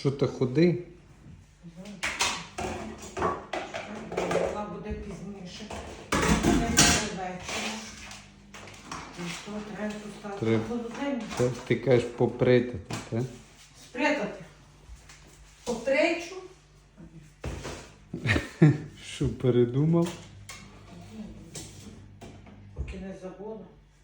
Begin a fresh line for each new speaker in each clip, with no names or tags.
Що ти ходи?
Вона буде пізніше. Не вечора. І що, треба поставити
Треба.
холодильник?
Це ти кажеш поприти, так?
Спрятати. Потречу.
Що передумав?
Поки не забула.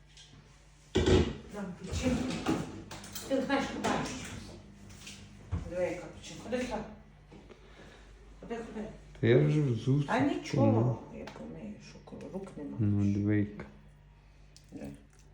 Нам печінку. Ти не знаєш, куди щось. Диви, яка печінка. Ходи сюди. Ходи.
Та я вже взув.
А нічого, я помию, що коли рук нема.
Ну, двійка.
Де?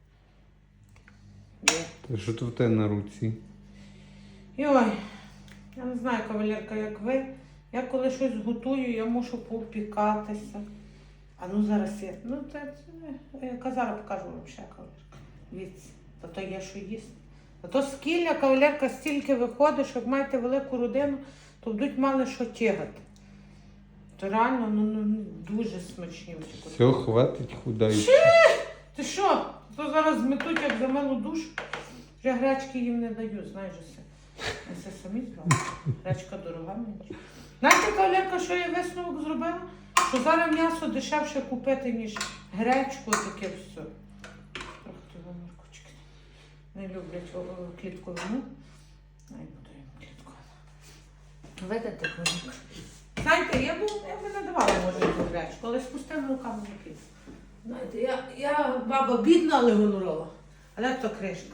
Та що тут в тебе на руці?
Ой, я не знаю, кавалерка, як ви. Я коли щось готую, я мушу попікатися. А ну зараз я. Ну я зараз покажу вам ще, кавалерка. Дивіться, та то є що їсти. А то скілля, кавалерка, стільки виходить, що як маєте велику родину, то будуть мали що тягати. То реально, дуже смачні.
Все, хватить худай.
Ти що? То зараз зметуть, як за милу душу. Вже гречки їм не даю, знаєш все. Я все самі зробила. Гречка дорога мені. Знаєте, кавалерка, що я висновок зробила? Що зараз м'ясо дешевше купити, ніж гречку, таке все. Трохи того моркочки. Не люблять клітковину. Най буду їм клітковину. Видите, кавалерка? Знаєте, я би не давала, може, цю гречку, але з пустими руками не піду. Знаєте, я баба бідна, але гонорова. Але то кришка.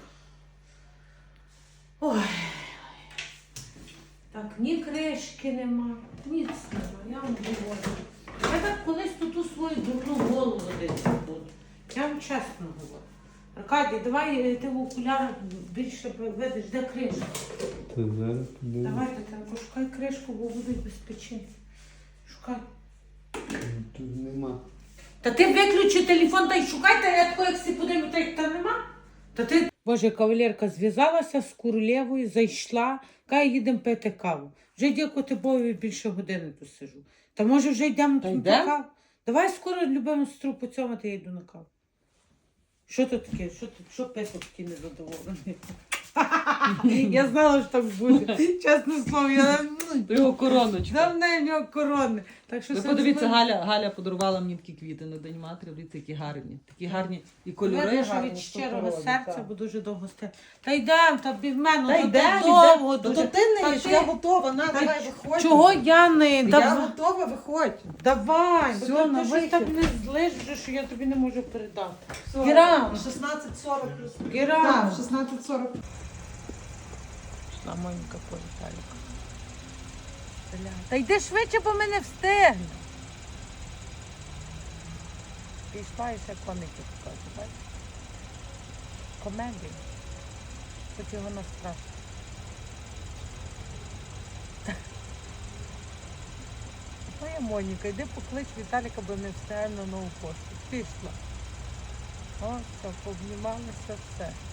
Ой. Так, ні кришки нема, ніц нема, я вам говорю. Я так колись тут у свою дурну голову десь буду. Я вам чесно говорю. Аркадій, давай ти в окулярах більше видиш, де кришка.
Та зараз підемо.
Давай, Тетянко, шукай кришку, бо будуть без печінки. Шукай.
Тут нема.
Та ти виключи телефон та й шукай, та я такого, як всі подивлю, та як та нема. Та ти... Боже, кавалерка зв'язалася з королевою, зайшла, каже, їдемо пити каву. Вже дякувати Богу, більше години тут сижу. Та може вже йдемо на каву? Давай скоро любимо сестру поцьомати, я йду на каву. Що тут таке? Що песик такий незадоволений? Я знала, що так буде. Чесне слово,
Його короночка.
давно в нього корони. Так що
Ви подивіться, Галя подарувала мені такі квіти на День матері. Дивіться, які гарні. Такі гарні і кольори
Видно, що
гарні.
від щирого
супер,
серця,
так.
бо дуже довго стояти. Та йдемо, та в мене,
Та
то
йде,
довго
йде.
дуже.
То ти не
Та
їш,
ти-
я готова, на,
Та
давай, виходь.
Чого я не?
Я готова, виходь.
Давай,
Все,
бо
на
ти щось
вихід.
так не злиш, вже, що я тобі не можу передати.
Все,
Гірам.
16:40 плюс.
Гірам.
Так, 16:40.
Пішла Моніка по Віталіку. Та йди швидше, бо ми не встигнемо. Пішла і ще коники покажу, бачиш? Комедія. Хоч його настрашити. Моя Моніка, йди поклич Віталіка, бо не встигає на нову пошту. Пішла. О, все, пообнімалися, все.